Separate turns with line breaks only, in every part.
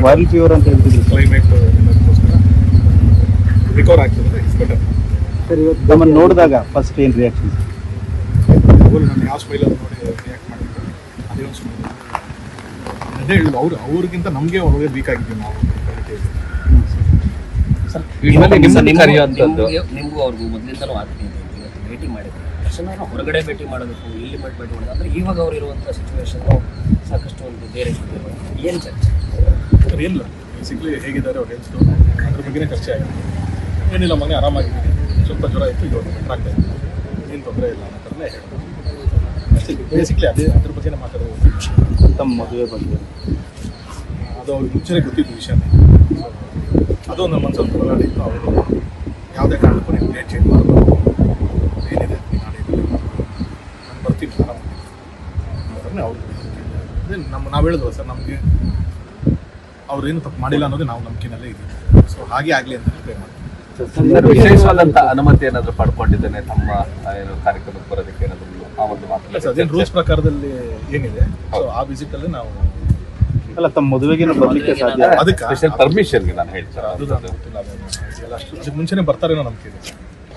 Viral fever ಅಂತ ಹೇಳ್ತಿದ್ರು
climate ಎಲ್ಲದಕ್ಕೋಸ್ಕರ ರಿಕವರ್ ಆಗ್ತದೆ, ಇಟ್ಸ್ ಬೆಟರ್.
ಸರ್, ಇವತ್ತು ನಮ್ಮನ್ನು ನೋಡಿದಾಗ ಫಸ್ಟ್ ಏನು ರಿಯಾಕ್ಷನ್?
ನಾನು ಯಾವ ಸ್ಮೈಲಲ್ಲಿ ನೋಡಿ ರಿಯಾಕ್ಟ್ ಮಾಡಿದ್ದು ಅದೇ ಒಂದು ಸ್ಮೈಲ್. ಅದೇ ಹೇಳಿದ್ರು ಅವ್ರಿಗಿಂತ ನಮಗೆ ಒಳಗೆ ವೀಕ್ ಆಗಿದ್ದೀವಿ ನಾವು.
ನಿಮಗೂ ಅವ್ರಿಗೂ ಮೊದಲಿಂದಲೂ ಆಗ್ತೀನಿ ಭೇಟಿ ಮಾಡಿದ್ರು ತಕ್ಷಣ ಹೊರಗಡೆ ಭೇಟಿ ಮಾಡಬೇಕು, ಇಲ್ಲಿ ಭೇಟಿ ಮಾಡೋದು ಅಂದರೆ ಇವಾಗ ಅವ್ರು ಇರುವಂಥ ಸಿಚುವೇಶನ್ನು ಸಾಕಷ್ಟು ಒಂದು ಬೇರೆ ಏನು ಚರ್ಚೆ?
ಏನಿಲ್ಲ, ಬೇಸಿಕ್ಲಿ ಹೇಗಿದ್ದಾರೆ ಅವ್ರು ಹೆಲ್ತು ಅದ್ರ ಬಗ್ಗೆನೇ ಚರ್ಚೆ ಆಗಿದೆ. ಏನಿಲ್ಲ, ಮನೆ ಆರಾಮಾಗಿದ್ದೀನಿ, ಸ್ವಲ್ಪ ಜ್ವರ ಇತ್ತು, ಇವಾಗ ಬೆಟರ್ ಆಗ್ತಾ ಇದೆ, ಏನು ತೊಂದರೆ ಇಲ್ಲ ಅನ್ನೋ ಥರನೇ ಹೇಳೋದು. ಬೇಸಿಕ್ಲಿ ಅದ್ರ ಬಗ್ಗೆನೇ ಮಾತಾಡೋದು.
ತಮ್ಮ ಮದುವೆ ಬಗ್ಗೆ
ಅದು ಅವ್ರಿಗೆ ಮುಂಚೆನೇ ಗೊತ್ತಿದ್ದು ವಿಷಯನೇ. ಅದು ನಮ್ಮ ಮನಸ್ಸಲ್ಲಿ ಹೋರಾಡಿತ್ತು. ಅವರು ಯಾವುದೇ ಕಾರಣಕ್ಕೂ ನೀವು ಡೇಟ್ ಚೇಂಜ್ ಮಾಡಬೇಕು, ಏನಿದೆ ನಾಳೆ ನಾನು ಬರ್ತೀನಿ ಆರಾಮಾಗಿ ಅವ್ರು ಅದೇ ನಾವು ಹೇಳಿದ್ವಲ್ಲ ಸರ್, ನಮಗೆ ಅವ್ರೇನು ತಪ್ಪು ಮಾಡಿಲ್ಲ ಅನ್ನೋದೇ ನಾವು ನಂಬಿಕೆನಲ್ಲೇ ಇದ್ದೀವಿ. ಸೊ ಹಾಗೆ ಆಗಲಿ ಅಂತ ಪ್ರೇ ಮಾಡ್ತೀವಿ.
ವಿಶೇಷವಾದಂಥ ಅನುಮತಿ ಏನಾದರೂ ಪಡ್ಕೊಂಡಿದ್ದೇನೆ ತಮ್ಮ ಏನು ಕಾರ್ಯಕ್ರಮಕ್ಕೆ ಬರೋದಕ್ಕೆ ಏನಾದರೂ ಆ ಒಂದು ಮಾತು?
ಅದೇನು ರೂಲ್ಸ್ ಪ್ರಕಾರದಲ್ಲಿ ಏನಿದೆ, ಸೊ ಆ ವಿಸಿಟಲ್ಲಿ ನಾವು
ಅಲ್ಲ, ತಮ್ಮ ಮದುವೆಗೆ ಬರಲಿಕ್ಕೆ ಸಾಧ್ಯ?
ಅದಕ್ಕೆ
ಸ್ಪೆಷಲ್ ಪರ್ಮಿಷನ್ಗೆ ನಾನು ಹೇಳ್ತಾರೆ
ಅದು ಗೊತ್ತಿಲ್ಲ, ಅದಕ್ಕೆ ಮುಂಚೆನೇ ಬರ್ತಾರೇನೋ ನಂಬಿಕೆ ಇದೆ.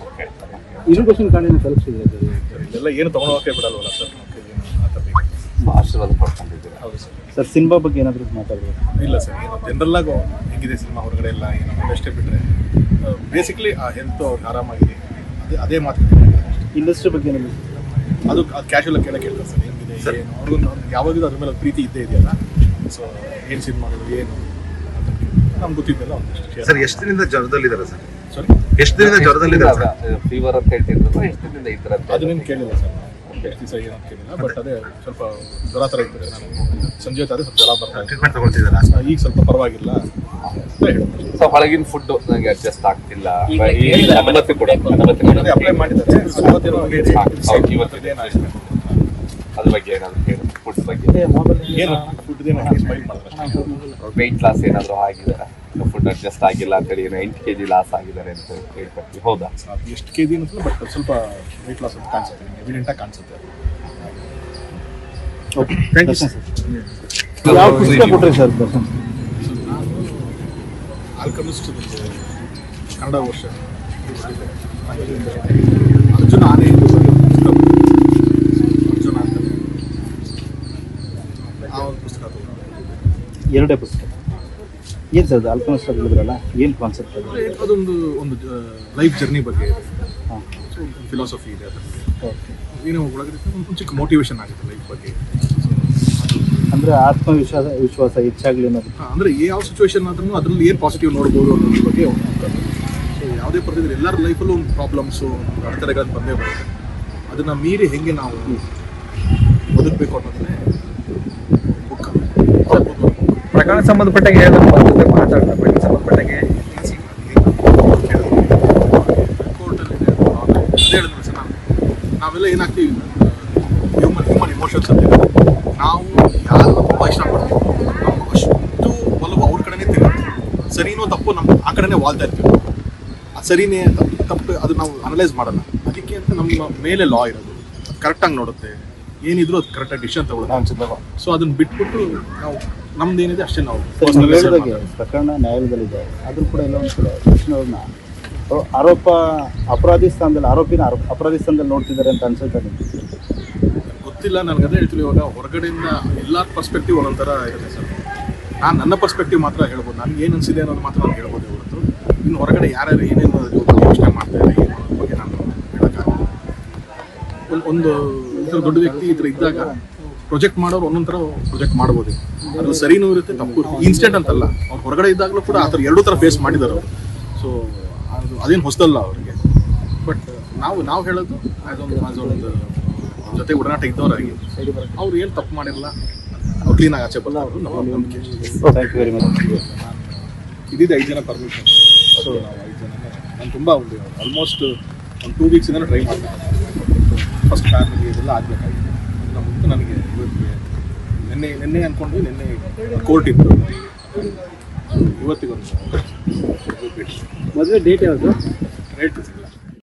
ಇರಿಗೇಷನ್ ಕಾರ್ಡಿನ ತಲುಪಿಸಿದ್ರೆ
ಇದೆಲ್ಲ ಏನು ತೊಗೊಂಡೋಗಕ್ಕೆ ಬಿಡಲ್ವಲ್ಲ ಸರ್, ಆ ಥರ
ಆಶೀರ್ವಾದ ಪಡ್ಕೊಂಡಿದ್ದೀರಾ?
ಹೌದು ಸರ್.
ಸರ್, ಸಿನಿಮಾ ಬಗ್ಗೆ ಏನಾದರೂ ಮಾತಾಡಬೇಕು?
ಇಲ್ಲ ಸರ್, ಏನು ಜನರಲ್ಲಾಗಿ ಹೆಂಗಿದೆ ಸಿನಿಮಾ ಹೊರಗಡೆ ಎಲ್ಲ ಏನು ಅಷ್ಟೇ ಬಿಟ್ಟರೆ ಬೇಸಿಕ್ಲಿ ಆ ಹೆಲ್ತ್ ಅವ್ರಿಗೆ ಆರಾಮಾಗಿದೆ, ಅದೇ ಮಾತು.
ಇಂಡಸ್ಟ್ರಿ ಬಗ್ಗೆ ಏನಾದರೂ
ಅದು ಕ್ಯಾಶುವಲ್ ಕೇಳ್ತಾರೆ ಸರ್, ಹೆಂಗಿದೆ ಏನು, ಅವ್ರಿಗೂ ಯಾವಾಗಲೂ ಅದ್ರ ಮೇಲೆ ಪ್ರೀತಿ ಇದ್ದೇ ಇದೆಯಲ್ಲ. ಸೊ ಏನು ಸಿನಿಮಾಗಳು ಏನು ನಮ್ಗೆ ಗೊತ್ತಿದ್ದಲ್ಲ ಒಂದಷ್ಟು.
ಸರ್, ಎಷ್ಟು ದಿನದಿಂದ ಜ್ವರದಲ್ಲಿದ್ದಾರೆ ಸರ್?
ಸಾರಿ,
ಎಷ್ಟು ದಿನದಿಂದ ಜ್ವರದಲ್ಲಿದ್ದಾರೆ?
ಫೀವರ್ ಅಂತ ಹೇಳ್ತಿದ್ರು, ಎಷ್ಟು ದಿನದಿಂದ ಇದ್ದಾರೆ ಅಂತ?
ಅದನ್ನೇನು ಕೇಳಿಲ್ಲ ಸರ್, ಎಷ್ಟು ದಿವಸ ಏನಂತ ಕೇಳಿಲ್ಲ. ಬಟ್ ಅದೇ ಸ್ವಲ್ಪ ಜ್ವರ ಥರ ಇರ್ತದೆ. ನಾನು ಸಂಜೆ ಹೊತ್ತಾದ್ರೆ ಸ್ವಲ್ಪ ಜ್ವರ ಬರ್ತಾ ಇದೆ,
ಟ್ರೀಟ್ಮೆಂಟ್ ತಗೊಳ್ತಿದ್ದಾರಾ?
ಈಗ ಸ್ವಲ್ಪ ಪರವಾಗಿಲ್ಲ ಅಂತ ಹೇಳ್ಬೋದು.
ಸೊ ಹೊಳಗಿನ ಫುಡ್ ನನಗೆ ಅಡ್ಜಸ್ಟ್ ಆಗ್ತಿಲ್ಲ, ಅನುಮತಿ ಕೊಡಿ,
ಅದೇ ಅಪ್ಲೈ ಮಾಡಿದ್ದಾರೆ.
ಇವತ್ತಿದೆ ಅದ್ರ ಬಗ್ಗೆ ಏನಾದ್ರು ಹೇಳಿ, ಫುಡ್ ಬಗ್ಗೆ
ಏನು ಫುಡ್ದೇನು ಹಾಗೆ ಸ್ಮೈಲ್ ಮಾಡಿದ್ರೆ
ವೆಯ್ಟ್ ಲಾಸ್ ಏನಾದರೂ ಆಗಿದ್ದಾರೆ, ಫುಡ್ ಅಡ್ಜಸ್ಟ್ ಆಗಿಲ್ಲ ಅಂತೇಳಿ ಏನೋ 8 kg ಲಾಸ್ ಆಗಿದ್ದಾರೆ ಅಂತ ಹೇಳ್ಕೊಡ್ತೀವಿ, ಹೌದಾ?
ಅದು ಎಷ್ಟು ಕೆ ಜಿ ಅನ್ನಿಸಲ್ಲ, ಬಟ್ ಸ್ವಲ್ಪ ವೆಯ್ಟ್ ಲಾಸ್ ಅಂತ ಕಾಣಿಸುತ್ತೆ, ಎವಿಡೆಂಟಾಗಿ ಕಾಣಿಸುತ್ತೆ.
Okay,
thank you sir.
ಯಾವ ಪುಸ್ತಕ ಕೊಟ್ಟರೆ ಸರ್ ದರ್ಶನ್?
ಆಲ್ಕಮಿಸ್ಟ್ ಕನ್ನಡ ವರ್ಷ ಅರ್ಜುನ ಆನೆ ಅರ್ಜುನ ಅಂತ ಆ ಒಂದು ಪುಸ್ತಕ ತಗೊಂಡು
ಎರಡೇ ಪುಸ್ತಕ. ಏನು ಸರ್ ಅದು ಆಲ್ಕಮಿಸ್ಟ್ ಹೇಳಿದ್ರಲ್ಲ, ಏನು ಕಾನ್ಸೆಪ್ಟ್ ಅದು?
ಅದೊಂದು ಲೈಫ್ ಜರ್ನಿ ಬಗ್ಗೆ ಇದೆ,
ಹಾಂ,
ಫಿಲಾಸಫಿ ಇದೆ ಅದರಲ್ಲಿ.
ಓಕೆ.
ಏನೋ ಒಳಗಡೆ ಒಂದು ಚಿಕ್ಕ ಮೋಟಿವೇಶನ್ ಆಗುತ್ತೆ ಲೈಫ್ ಬಗ್ಗೆ.
ಅಂದರೆ ವಿಶ್ವಾಸ ಹೆಚ್ಚಾಗಲಿ ಅನ್ನೋದು.
ಅಂದರೆ ಯಾವ ಸಿಚುವೇಶನ್ ಆದ್ರೂ ಅದರಲ್ಲಿ ಏನು ಪಾಸಿಟಿವ್ ನೋಡ್ಬೋದು ಅನ್ನೋದ್ರ ಬಗ್ಗೆ ಸೊ ಯಾವುದೇ ಪರಿಸ್ಥಿತಿ ಎಲ್ಲರ ಲೈಫಲ್ಲೂ ಒಂದು ಪ್ರಾಬ್ಲಮ್ಸು, ಅಡೆತಡೆಗಳನ್ನು ಬಂದೇ ಬರುತ್ತೆ. ಅದನ್ನು ಮೀರಿ ಹೆಂಗೆ ನಾವು ಬದುಕಬೇಕು ಅನ್ನೋದನ್ನೇ ಬುಕ್.
ಪ್ರಕರಣ ಸಂಬಂಧಪಟ್ಟಾಗೆ ಮಾತಾಡ್ತಾರೆ, ಪ್ರಕರಣ ಸಂಬಂಧಪಟ್ಟಾಗೆ
ಕೋರ್ಟಲ್ಲಿ ಹೇಳಿದ್ರು ಸರ್, ನಾವೆಲ್ಲ ಏನಾಗ್ತೀವಿ, ಹ್ಯೂಮನ್ ಇಮೋಷನ್ಸ್ ಅಂತ ನಾವು ಯಾರನ್ನ ತುಂಬ ಇಷ್ಟಪಡ್ತೀವಿ, ನಾವು ಅಷ್ಟು ಒಲವು ಅವ್ರ ಕಡೆನೇ ತಿರುಗುತ್ತೆ. ಸರಿನೋ ತಪ್ಪು ನಮ್ಮ ಆ ಕಡೆನೇ ವಾಲ್ತಾ ಇರ್ತೀವಿ. ಆ ಸರಿನೇ ತಪ್ಪು ಅದು ನಾವು ಅನಲೈಸ್ ಮಾಡಲ್ಲ. ಅದಕ್ಕೆ ಅಂತ ನಮ್ಮ ಮೇಲೆ ಲಾ ಇರೋದು, ಕರೆಕ್ಟಾಗಿ ನೋಡುತ್ತೆ, ಏನಿದ್ರು ಅದು ಕರೆಕ್ಟಾಗಿ ಡಿಸಿಷನ್ ತಗೊಳ್ಳೋದು. ಸೊ ಅದನ್ನ ಬಿಟ್ಬಿಟ್ಟು ನಾವು ನಮ್ದು ಏನಿದೆ ಅಷ್ಟೇ ನಾವು
ಹೇಳಿದಾಗೆ ಪ್ರಕರಣ ನ್ಯಾಯಾಲಯದಲ್ಲಿದೆ, ಆದರೂ ಕೂಡ ಎಲ್ಲ ಒಂದು ಕಡೆ ಕೃಷ್ಣವ್ರನ್ನ ಅಪರಾಧಿ ಸ್ಥಾನದಲ್ಲಿ ನೋಡ್ತಿದ್ದಾರೆ ಅಂತ ಅನ್ಸುತ್ತೆ ನಿಮಗೆ?
ಗೊತ್ತಿಲ್ಲ, ನನಗೆ ಅದೇ ಹೇಳ್ತೀವಿ. ಇವಾಗ ಹೊರಗಡೆಯಿಂದ ಎಲ್ಲರ ಪರ್ಸ್ಪೆಕ್ಟಿವ್ ಒಂದೊಂಥರ ಇರುತ್ತೆ ಸರ್. ನಾನು ನನ್ನ ಪರ್ಸ್ಪೆಕ್ಟಿವ್ ಮಾತ್ರ ಹೇಳ್ಬೋದು, ನನಗೆ ಏನು ಅನಿಸಿದೆ ಅನ್ನೋದು ಮಾತ್ರ ನಾನು ಹೇಳ್ಬೋದು ಹೊರತು ಇನ್ನು ಹೊರಗಡೆ ಯಾರ್ಯಾರು ಏನೇನು ಯೋಚನೆ ಮಾಡ್ತಾರೆ ಏನು ಅನ್ನೋದ್ರ ಬಗ್ಗೆ ನಾನು ಹೇಳೋಕ್ಕಾಗಲ್ಲ. ಒಂದು ಈ ಥರ ದೊಡ್ಡ ವ್ಯಕ್ತಿ ಈ ಥರ ಇದ್ದಾಗ ಪ್ರೊಜೆಕ್ಟ್ ಮಾಡೋರು ಒಂದೊಂದು ಥರ ಪ್ರೊಜೆಕ್ಟ್ ಮಾಡ್ಬೋದು. ಅದ್ರಲ್ಲಿ ಸರಿನೂ ಇರುತ್ತೆ, ತಪ್ಪು ಇರುತ್ತೆ. ಇನ್ಸ್ಟೆಂಟ್ ಅಂತಲ್ಲ, ಅವ್ರು ಹೊರಗಡೆ ಇದ್ದಾಗಲೂ ಕೂಡ ಆ ಥರ ಎರಡೂ ಥರ ಫೇಸ್ ಮಾಡಿದ್ದಾರೆ ಅವರು. ಸೊ ಅದೇನು ಹೊಸದಲ್ಲ ಅವರಿಗೆ. ಬಟ್ ನಾವು ಹೇಳೋದು ಅದೊಂದು ಜೊತೆ ಒಡನಾಟ ಇದ್ದವರಾಗಿ ಅವ್ರು ಏನು ತಪ್ಪು ಮಾಡಿರಲ್ಲ, ಅವ್ರು ಕ್ಲೀನಾಗಿ ಆಚೆ ಬರೋದು ನಮ್ಮ ನಂಬಿಕೆ.
Thank you very much.
ಇದಿದೆ 5 ಜನ ಪರ್ಮಿಷನ್. ಸೊ ನಾವು 5 ಜನ ನಾನು ತುಂಬ ಆಲ್ಮೋಸ್ಟ್ ಒಂದು 2 ವೀಕ್ಸಿಂದ ಟ್ರೈ ಮಾಡಿದೆ. ಫಸ್ಟ್ ಫ್ಯಾಮಿಲಿ ಇದೆಲ್ಲ ಆಗಬೇಕಾಗಿತ್ತು. ಮುಂದೆ ನನಗೆ ನಿನ್ನೆ ಅಂದ್ಕೊಂಡು ನಿನ್ನೆ ಕೋರ್ಟ್ ಇತ್ತು, ಇವತ್ತಿಗೊಂದು
ಮದುವೆ ಡೇಟ್ ಯಾವುದು?
ಹೇಳ್ತೀನಿ.